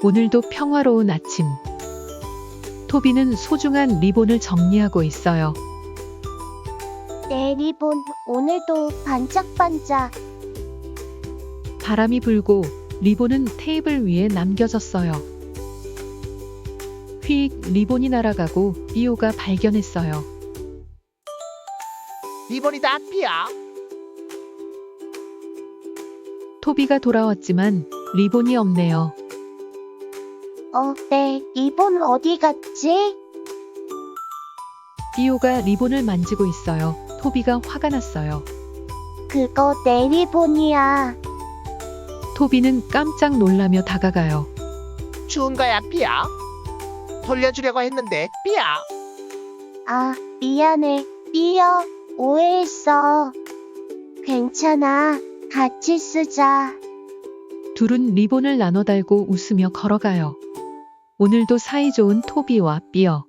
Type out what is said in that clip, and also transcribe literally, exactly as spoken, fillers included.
오늘도 평화로운 아침. 토비는 소중한 리본을 정리하고 있어요. 내 리본 오늘도 반짝반짝. 바람이 불고 리본은 테이블 위에 남겨졌어요. 휙 리본이 날아가고 비오가 발견했어요. 리본이다, 삐어. 토비가 돌아왔지만 리본이 없네요. 어, 내 리본 어디 갔지? 비오가 리본을 만지고 있어요. 토비가 화가 났어요. 그거 내 리본이야. 토비는 깜짝 놀라며 다가가요. 추운 거야, 삐어. 돌려주려고 했는데, 삐어. 아, 미안해. 삐어, 오해했어. 괜찮아. 같이 쓰자. 둘은 리본을 나눠 달고 웃으며 걸어가요. 오늘도 사이좋은 토비와 삐어.